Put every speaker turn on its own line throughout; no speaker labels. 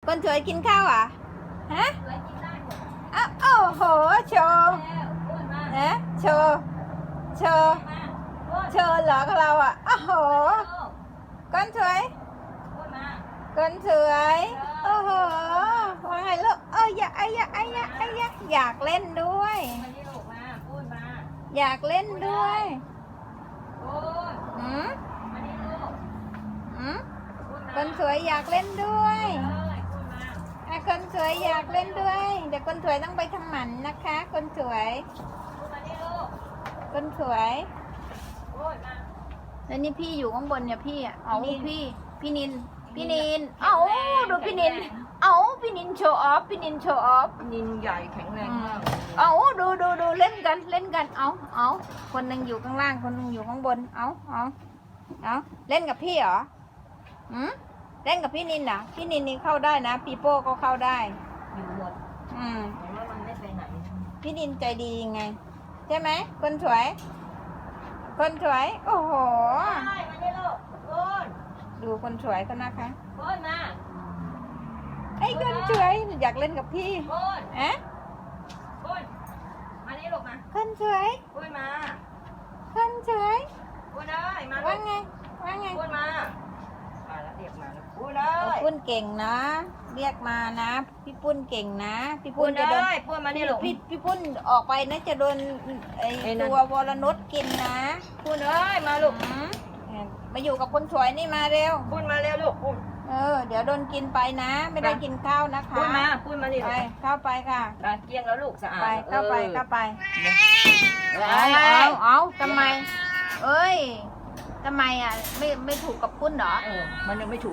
คนสวยกินข้าวอ่ะฮะ
สวยกินได้หมด
อ้าวโอ้โหโชว์
แล้วอ้วนมา
นะโชว์โชว์
มาอ้วน
โชว์เหรอของเราอ่ะโอ้โหคนสวย
อ้วนมา
คนสวยโอ้โหว่าไงลูกอยากอยากเล่นด้วย
มานี่ลูกมาอ้วนมา
อยากเล่นด้วย
อ้วน
อืม
มานี่ลูก
อืม
อ้วนมา
คนสวยอยากเล่นด้วย
เลยอ้วนมา
คนสวยอยากเล่นด้วยเดี๋ยวคนสวยต้องไปทำหมันนะคะ คนสวย
อ้วนมานี่ลูก
คนสวย
อ้วนมา
แล้วนี่พี่อยู่ข้างบนเนี่ยพี่อ่ะเอา พี่นินดูพี่นินพี่นินโชว์ออฟพี่นินโชว์ออฟ
นินใหญ่แข็งแรงมาก
ดูเล่นกันเอาคนหนึ่งอยู่ข้างล่างคนหนึ่งอยู่ข้างบนเอาเล่นกับพี่เหรอเล่นกับพี่นินนะพี่นินนี่เข้าได้นะปีโป้ก็เข้าได้
อยู่หมดเห็นว่ามันไม่ไปไหน
พี่นินใจดียังไงใช่ไหมคนสวย โอ้โห
ได้มานี่ลูกอ้วน
ดูคนสวยก็นะคะ
อ้วนมา
ไอ้คนสวยอยากเล่นกับพี่
อ้วน
อะ
อ้วนมานี่ลูกมา
คนสวย
อ้วนมา
คนสวย
อ้วนได้มาลู
ว่าก ไงว่าไง
อ้วนมาแล้วเรียกมาแล้วอ้วนได้
พี่ปุ้นเก่งนะเรียกมานะพี่ปุ้นเก่งนะพี่
อ้
ปุ้
วน น
จะโดน
ได้อ้วนมานี่ลูก
พี่ปุ้นออกไปนะจะโดนไอ้
ไอ้นั่น
ตัววรนุชกินนะ
อ้วนเอ้ยมาลูก
มาอยู่กับคนสวยนี่มาเร็ว
อ้วนมาเร็วลูกอ้วน
เดี๋ยวโดนกินไปนะ ไม่ได้กินข้าวนะคะ
อ้วนมาอ้วนมานี่
ไป
ลูก
เข้าไปค่ะ
ได้เกลี้ยงแล้วลูกสะอาด
ไปเข้าไป
เอา
ทำไมเอ้ยทำไมอ่ะไม่ถูกกับปุ้นเหรอ
มันยังไม่ถูก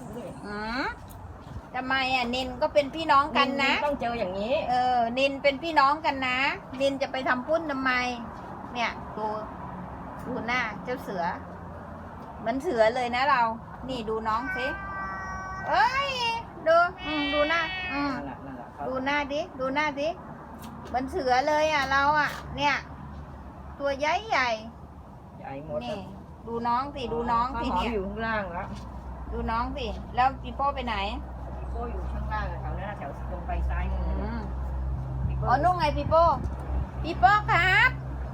ทำไมอ่ะนินก็เป็นพี่น้องกันนะ
ต้องเจออย่างนี้
นินเป็นพี่น้องกันนะนินจะไปทำปุ้นทำไม เนี่ยดูหน้าเจ้าเสือเหมือนเสือเลยนะเรา นี่ดูน้องสิเอ้ยดูหน้าดูหน้าดิเหมือนเสือเลยอ่ะเราอ่ะ เนี่ย ตัวใหญ่ใหญ่
ใหญ่หมด
นี่ดูน้องสิเนี่ย
อยู่ข้างล่างแล้ว
ดูน้องสิแล้วปีโป้ไปไหน
พี่โป้อยู่ข้างล่างแถวนั้นแถวตรงไปซ้ายมือ
นุ่งไงปีโป้ครับ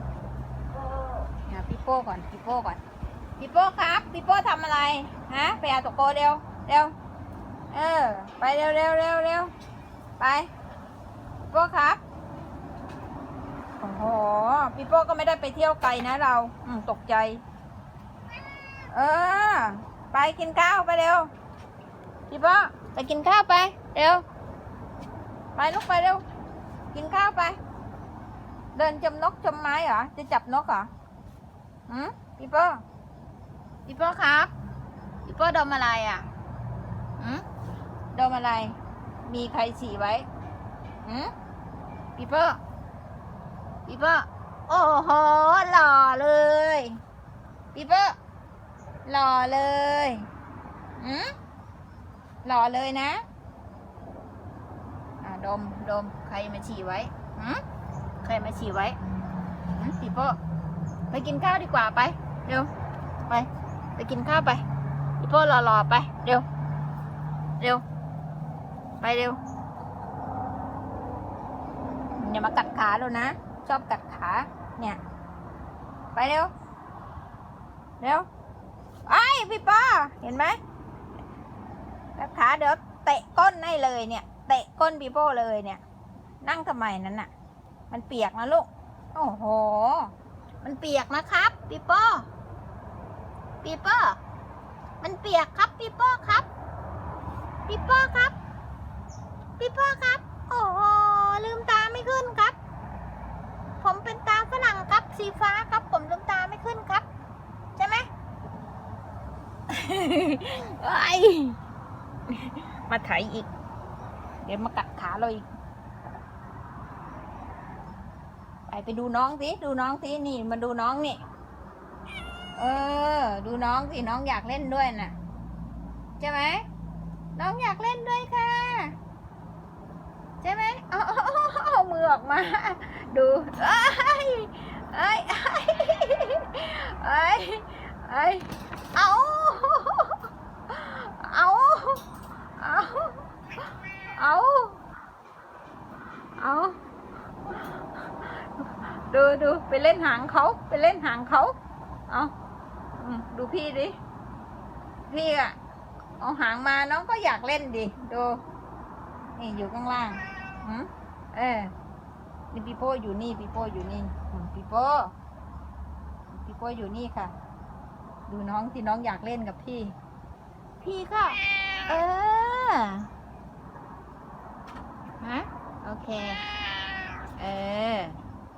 ปีโป้ก่อนปีโป้ครับปีโป้ทำอะไรฮะไปเอาตะโกเร็วไปเร็วไปปีโป้ครับโอ้โหปีโป้ก็ไม่ได้ไปเที่ยวไกลนะเราตกใจไปกินข้าวไปเร็วปีโป้ไปกินข้าวไปเร็วไปลูกไปเร็วกินข้าวไปเดินจมนกจมไม้เหรอจะจับนกเหรอปีโป้ครับปีโป้ดมอะไรอ่ะดมอะไรมีใครฉี่ไว้ปีโป้โอ้โหหล่อเลยปีโป้หล่อเลยหล่อเลยนะดมใครมาฉี่ไว้ใครมาฉี่ไว้ปีโป้ไปกินข้าวดีกว่าไปเร็วไปกินข้าวไปปีโป้รอไปเร็วไปเร็วอย่ามากัดขาแล้วนะชอบกัดขาเนี่ยไปเร็วไอ้พี่ป้าเห็นไหมกัดขาเดี๋ยวเตะก้นให้เลยเนี่ยเตะก้นปีโป้เลยเนี่ยนั่งทำไมนั้นน่ะมันเปียกนะลูกโอ้โหมันเปียกนะครับปีโป้มันเปียกครับปีโป้ครับโอ้โหลืมตาไม่ขึ้นครับผมเป็นตาฝรั่งครับสีฟ้าครับผมลืมตาไม่ขึ้นครับใช่ไหม มาไถอีกเดี๋ยวมากัดขาเราอีกไปดูน้องสินี่มาดูน้องนี่ดูน้องสิน้องอยากเล่นด้วยน่ะใช่ไหมน้องอยากเล่นด้วยค่ะใช่ไหมเอามือออกมาดูเอาดูไปเล่นหางเขาไปเล่นหางเขาเอาดูพี่ดิพี่อะเอาหางมาน้องก็อยากเล่นดิดูนี่อยู่ข้างล่างนี่ปีโป้อยู่นี่ปีโป้อยู่นี่ปีโป้อยู่นี่ค่ะ ดูน้องที่น้องอยากเล่นกับพี่ก็ฮะโอเค